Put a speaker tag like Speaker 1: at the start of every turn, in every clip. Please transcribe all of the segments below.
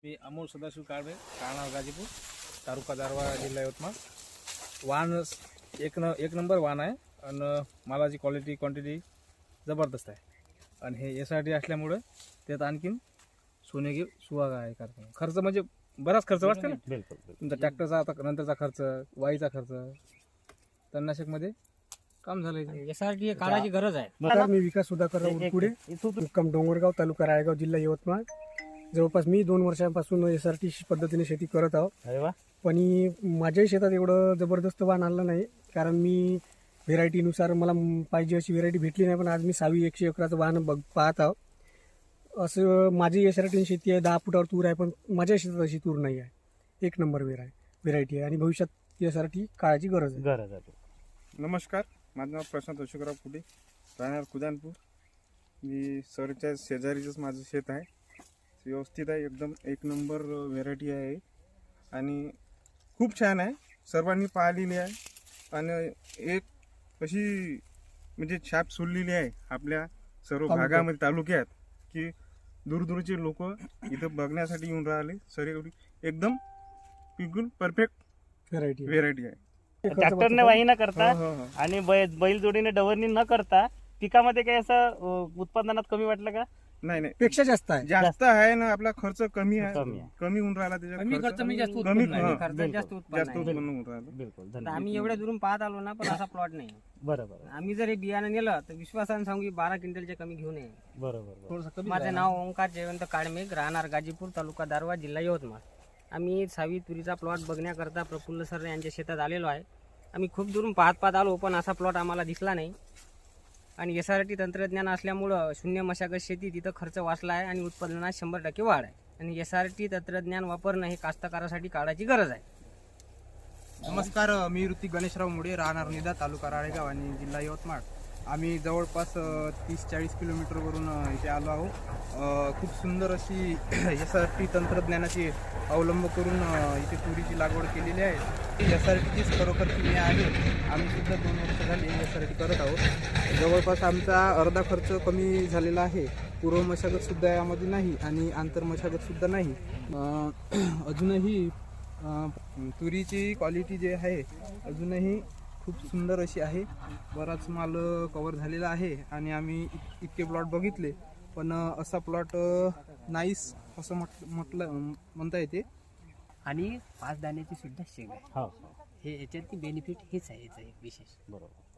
Speaker 1: मी अमोल सदाशिव काळवे, राहणार गाजीपूर, तालुका दारवा, जिल्हा यवतमाळ. वाण एक नंबर वाण आहे आणि मालाची क्वालिटी क्वांटिटी जबरदस्त आहे. आणि हे यासाठी असल्यामुळं त्यात आणखीन सोनेगी सुहागा आहे. खर्च म्हणजे बराच खर्च वाटते ना.
Speaker 2: बिलकुल
Speaker 1: तुमचा ट्रॅक्टरचा आता नंतरचा खर्च, वाईचा खर्च, तणनाशकमध्ये काम झालं.
Speaker 3: यासाठी काळाची गरज आहे.
Speaker 4: नमस्कार, मी विकास सुधाकर पुढे मुक्काम डोंगरगाव, तालुका रायगाव, जिल्हा यवतमाळ. जवळपास मी 2 वर्षांपासून SRT पद्धतीने शेती करत आहोत.
Speaker 2: अरे वा.
Speaker 4: पण माझ्याही शेतात एवढं जबरदस्त वाण आणलं नाही, कारण मी व्हेरायटीनुसार मला पाहिजे अशी व्हेरायटी भेटली नाही. पण आज मी 100 एकराचं वाहन पाहत आहोत. असं माझी SRT शेती आहे, 10 फुटावर तूर आहे, पण माझ्या शेतात अशी तूर नाही आहे. 1 नंबर व्हेरायटी आहे आणि भविष्यात SRT काळाची गरज आहे.
Speaker 5: नमस्कार, माझं नाव प्रशांत अशोकराव पुढे, राहणार कुदानपूर. मी सरच्या शेजारीचंच माझं शेत आहे. व्यवस्थित आहे, एकदम 1 नंबर व्हेरायटी आहे आणि खूप छान आहे. सर्वांनी पाहिलेली आहे आणि एक अशी म्हणजे छाप सोडलेली आहे आपल्या सर्व भागामध्ये, तालुक्यात, की दूरदूरचे लोक इथं बघण्यासाठी येऊन राहिले. सर एकदम बिलकुल परफेक्ट व्हेरायटी आहे.
Speaker 2: ट्रॅक्टरने वाही न करता
Speaker 5: हो, हो, हो.
Speaker 2: आणि बैलजोडीने डवरणी न करता पिकामध्ये काही असं उत्पादनात कमी वाटलं का?
Speaker 5: नाही
Speaker 4: पेक्षा जास्त आहे.
Speaker 5: जास्त आहे ना. आपला खर्च कमी आहे,
Speaker 2: कमी आहे.
Speaker 5: कमी होऊन राहिला त्याच्यात.
Speaker 3: कमी खर्च म्हणजे जास्त
Speaker 5: कमी
Speaker 3: उत्पन्न नाही.
Speaker 5: हा,
Speaker 3: खर्चात
Speaker 2: बिलकुल.
Speaker 3: जास्त उत्पन्न
Speaker 5: जास्त
Speaker 3: आहे.
Speaker 5: उत्पन्न होऊन राहिलं.
Speaker 2: बिलकुल.
Speaker 3: तर
Speaker 2: धन्यवाद.
Speaker 3: आम्ही एवढ्या दुरून पाहत आलो ना, पण असा प्लॉट नाही.
Speaker 2: बरोबर
Speaker 3: आम्ही जर हे बियाणं नेलं तर विश्वासाने सांगू की 12 क्विंटलच्या कमी घेऊ नये.
Speaker 2: बरोबर.
Speaker 1: थोडंसं कमी
Speaker 3: माझं नाव ओंकार जयवंत काळमेघ, राहणार गाजीपूर, तालुका दारवा, जिल्हा यवतमाळ. आम्ही 6वी तुरीचा प्लॉट बघण्याकरता प्रफुल्ल सर यांच्या शेतात आलेलो आहे. आम्ही खूप दुरून पाहत आलो, पण असा प्लॉट आम्हाला दिसला नाही. आणि SRT तंत्रज्ञान असल्यामुळं शून्य मशागत शेती, तिथं खर्च वाचला आहे आणि उत्पादनात 100% वाढ आहे. आणि SRT तंत्रज्ञान वापरणं हे कास्तकारासाठी काळाची गरज आहे.
Speaker 6: नमस्कार, मी ऋतिक गणेशराव मुळे, राहणार निदा, तालुका राळेगाव आणि जिल्हा यवतमाळ. आम्ही जवळपास 30-40 किलोमीटरवरून इथे आलो आहोत. खूप सुंदर अशी SRT तंत्रज्ञानाची अवलंब करून इथे तुरीची लागवड केलेली आहे. SRTचीच खरोखर किमया आहे. आम्ही सुद्धा 2 वर्ष झाली SRT करत आहोत. जवळपास आमचा अर्धा खर्च कमी झालेला आहे. पूर्व मशागतसुद्धा यामध्ये नाही आणि आंतर मशागतसुद्धा नाही. अजूनही तुरीची क्वालिटी जी आहे अजूनही खूप सुंदर अशी आहे. बराच माल कवर झालेला आहे आणि आम्ही इतके प्लॉट बघितले, पण असा प्लॉट नाहीच असं म्हणता येते.
Speaker 3: आणि 5 दाण्याची सुद्धा शेंग आहे.
Speaker 2: हो.
Speaker 3: हे याच्यात बेनिफिट हेच आहे, याचं एक विशेष.
Speaker 2: बरोबर.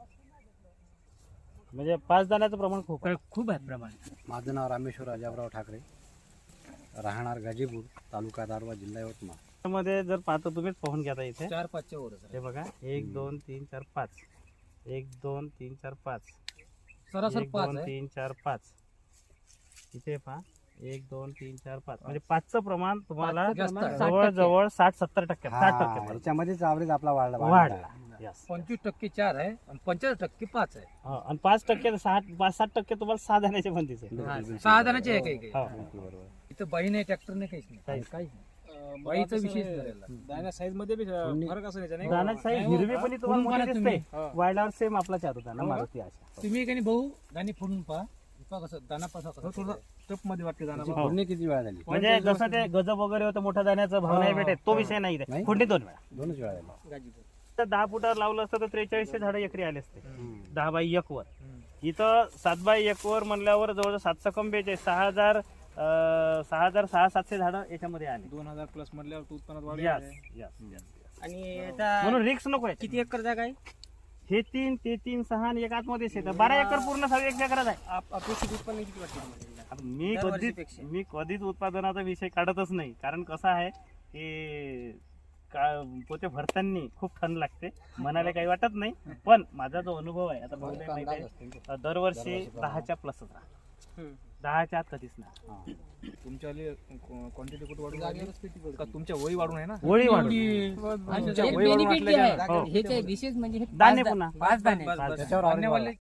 Speaker 2: म्हणजे 5 दाण्याचं प्रमाण खूप आहे.
Speaker 3: खूप आहे प्रमाण.
Speaker 7: माझं नाव रामेश्वर अजाबराव ठाकरे, राहणार गाजीपूर, तालुका दारवा, जिल्हा यवतमाळ.
Speaker 2: मध्ये जर पाहतो तुम्हीच पाहून घ्या इथे.
Speaker 3: 4-5च्या वरच आहे.
Speaker 2: हे बघा, 1 2 3 4 5, 1 2 3 4 5,
Speaker 3: सरासर
Speaker 2: 1
Speaker 3: 5
Speaker 2: 2
Speaker 3: आहे.
Speaker 2: 3 4 5. इथे पहा, 1 2 3 4 5. म्हणजे 5चं प्रमाण तुम्हाला
Speaker 3: जास्त आहे.
Speaker 2: जवळ 60-70%, 60%
Speaker 7: याच्यामध्येच ॲव्हरेज आपला वाढला.
Speaker 2: वाढला. Yes.
Speaker 3: 25% 4 आहे आणि 50% 5 आहे.
Speaker 2: हो, आणि 5% 60% तुम्हाला 6 दाण्याचे म्हणतीच आहे.
Speaker 3: 6 दाण्याचे आहे काही काही.
Speaker 2: हो.
Speaker 3: इथं बाई नाही, ट्रॅक्टर नाही, काहीच नाही.
Speaker 2: काहीच.
Speaker 3: बाईचा विशेष झालेला.
Speaker 1: दाण्या साईज मध्ये बी फरक असं नाही.
Speaker 2: दाण्याची साईज हिरवी पण तुम्हाला मोठी दिसते. वाढल्यावर सेम आपलाच होता ना, मारुती अशा.
Speaker 3: तुम्ही काही भाऊ दाणे फोडून पहा. कसं दाना पासा
Speaker 1: थोडं टप मध्ये वाटते दाणा.
Speaker 7: फोडणी किती वेळा झाली?
Speaker 2: म्हणजे जसं ते गजब वगैरे होतं, मोठ्या दाण्याचा भाव नाही भेटत, तो विषय नाही इथे. फोडणी 2 वेळा.
Speaker 7: 2च वेळा झाली.
Speaker 2: तर 10 फुटावर लावलं असतं तर 4300 झाडं एकरी आले असते. 10 बाय 1 वर. इथं 7 बाय 1 वर म्हणल्यावर जवळ 7 कम 42, 6,700 झाडं याच्यामध्ये आले.
Speaker 1: 2000 प्लस म्हटल्यावर तू उत्पन्नात वाढ
Speaker 2: Yes,
Speaker 1: आहे.
Speaker 2: yes, yes.
Speaker 3: आणि याचा
Speaker 2: म्हणून रिक्स नको आहे.
Speaker 3: किती एकर जागा आहे?
Speaker 2: हे 3, ते 3, 6 आणि एक आतमध्येच येतं. 12 एकर पूर्ण 6 एकरात आहे.
Speaker 3: अपेक्षित उत्पन्न किती वाटतं तुम्हाला?
Speaker 2: आता
Speaker 3: दरवर्षीपेक्षा.
Speaker 2: मी कधीच उत्पादनाचा विषय काढतच नाही, कारण कसं आहे की पोते भरताना खूप थंड लागते, मनाला काही वाटत नाही. पण माझा जो अनुभव आहे, आता बहुतेक माहिती आहे, दरवर्षी 10च्या प्लसच राहतो. 10च्या आत कधीच नाही.
Speaker 1: तुमच्या क्वांटिटी कुठे वाढून राहिली? का तुमच्या वही वाढून आहे ना?
Speaker 2: वळी वाढून.
Speaker 1: तुमच्या
Speaker 3: एक
Speaker 1: वही वाढून
Speaker 3: benefit जे आहे,
Speaker 1: असल्याच्या-
Speaker 3: हे जे विशेष म्हणजे हे
Speaker 2: दाणे
Speaker 3: 5
Speaker 2: पुन्हा.
Speaker 3: 5 दाणे.
Speaker 1: बस, बस.
Speaker 7: त्याच्यावर average
Speaker 1: दाणेवाले